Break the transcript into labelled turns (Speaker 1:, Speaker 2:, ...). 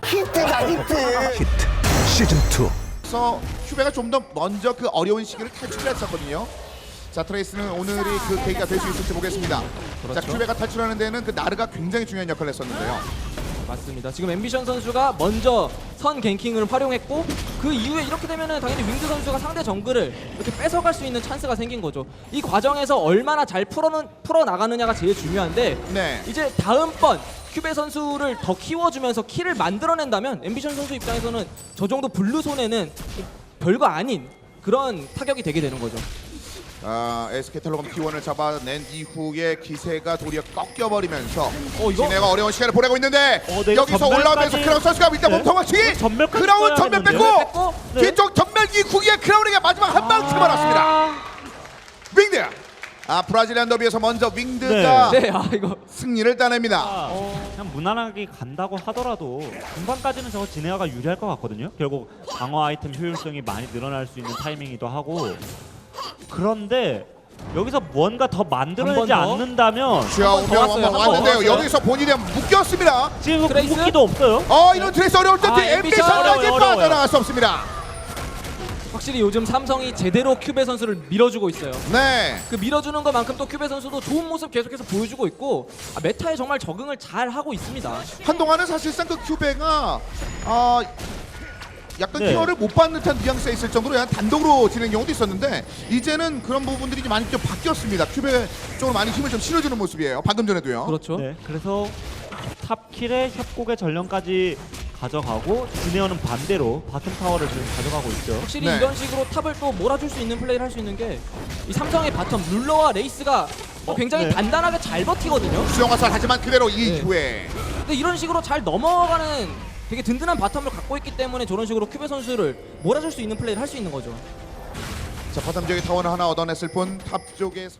Speaker 1: 히트다 히트.
Speaker 2: 히트 시즌 2.
Speaker 3: 그래서 큐베가 좀 더 먼저 그 어려운 시기를 탈출했었거든요. 자, 트레이스는 오늘이 그 계기가 될 수 있을지 보겠습니다.
Speaker 4: 그렇죠.
Speaker 3: 자, 큐베가 탈출하는 데는 그 나르가 굉장히 중요한 역할을 했었는데요.
Speaker 4: 맞습니다. 지금 앰비션 선수가 먼저 선 갱킹을 활용했고 그 이후에 이렇게 되면은 당연히 윙드 선수가 상대 정글을 이렇게 뺏어갈 수 있는 찬스가 생긴 거죠. 이 과정에서 얼마나 잘 풀어 나가느냐가 제일 중요한데
Speaker 3: 네.
Speaker 4: 이제 다음번 큐베 선수를 더 키워주면서 킬을 만들어낸다면 앰비션 선수 입장에서는 저 정도 블루 손에는 별거 아닌 그런 타격이 되게 되는 거죠.
Speaker 3: SK텔레콤 T1을 잡아낸 이후에 기세가 도리어 꺾여버리면서
Speaker 4: 이거?
Speaker 3: 진해가 어려운 시간을 보내고 있는데
Speaker 5: 네, 이거
Speaker 3: 여기서
Speaker 5: 전멸까지-
Speaker 3: 올라오면서 크라운 선수가 일단
Speaker 5: 네.
Speaker 3: 몸통하기
Speaker 5: 전멸까지
Speaker 3: 크라운
Speaker 5: 써야
Speaker 3: 전멸
Speaker 5: 되는데요.
Speaker 3: 뺐고
Speaker 4: 뺐고,
Speaker 5: 네.
Speaker 3: 뒤쪽 전멸 이후에 크라운에게 마지막 한 방 쳐버렸습니다. 윙드! 브라질리안 더비에서 먼저 윙드가
Speaker 4: 네, 이거
Speaker 3: 승리를 따냅니다.
Speaker 5: 그냥 무난하게 간다고 하더라도 중반까지는 저거 진에어가 유리할 것 같거든요. 결국 방어 아이템 효율성이 많이 늘어날 수 있는 타이밍이기도 하고. 그런데 여기서 뭔가 더 만들어내지
Speaker 4: 한번 더?
Speaker 5: 않는다면
Speaker 3: 자,
Speaker 4: 한번더
Speaker 3: 오명
Speaker 4: 왔어요.
Speaker 3: 한번
Speaker 4: 한번
Speaker 3: 왔는데요.
Speaker 4: 더 왔어요.
Speaker 3: 여기서 본인이 묶였습니다.
Speaker 5: 지금
Speaker 4: 트레이스?
Speaker 5: 궁극기도 없어요.
Speaker 3: 이런 트레이스 어려울 때
Speaker 4: 앰비션
Speaker 3: 앰비션까지
Speaker 5: 어려워요.
Speaker 3: 빠져나갈 수 없습니다.
Speaker 4: 확실히 요즘 삼성이 제대로 큐베 선수를 밀어주고 있어요.
Speaker 3: 네.
Speaker 4: 그 밀어주는 것만큼 또 큐베 선수도 좋은 모습 계속해서 보여주고 있고 메타에 정말 적응을 잘 하고 있습니다.
Speaker 3: 한동안은 사실상 그 큐베가 약간
Speaker 5: 네.
Speaker 3: 케어를 못 받는 듯한 뉘앙스가 있을 정도로 약간 단독으로 지는 경우도 있었는데 이제는 그런 부분들이 좀 많이 좀 바뀌었습니다. 큐베 쪽으로 많이 힘을 좀 실어주는 모습이에요. 방금 전에도요.
Speaker 4: 그렇죠.
Speaker 5: 네, 그래서 탑킬에 협곡의 전령까지 가져가고 진에어는 반대로 바텀 타워를 지금 가져가고 있죠.
Speaker 4: 확실히
Speaker 3: 네.
Speaker 4: 이런 식으로 탑을 또 몰아줄 수 있는 플레이를 할 수 있는 게 이 삼성의 바텀 룰러와 레이스가 굉장히
Speaker 5: 네.
Speaker 4: 단단하게 잘 버티거든요.
Speaker 3: 수영화살 하지만 그대로 이
Speaker 4: 네.
Speaker 3: 이후에
Speaker 4: 근데 이런 식으로 잘 넘어가는 되게 든든한 바텀을 갖고 있기 때문에 저런 식으로 큐베 선수를 몰아줄 수 있는 플레이를 할 수 있는 거죠.
Speaker 3: 자, 바텀 지역에 타워를 하나 얻어냈을 뿐 탑 쪽에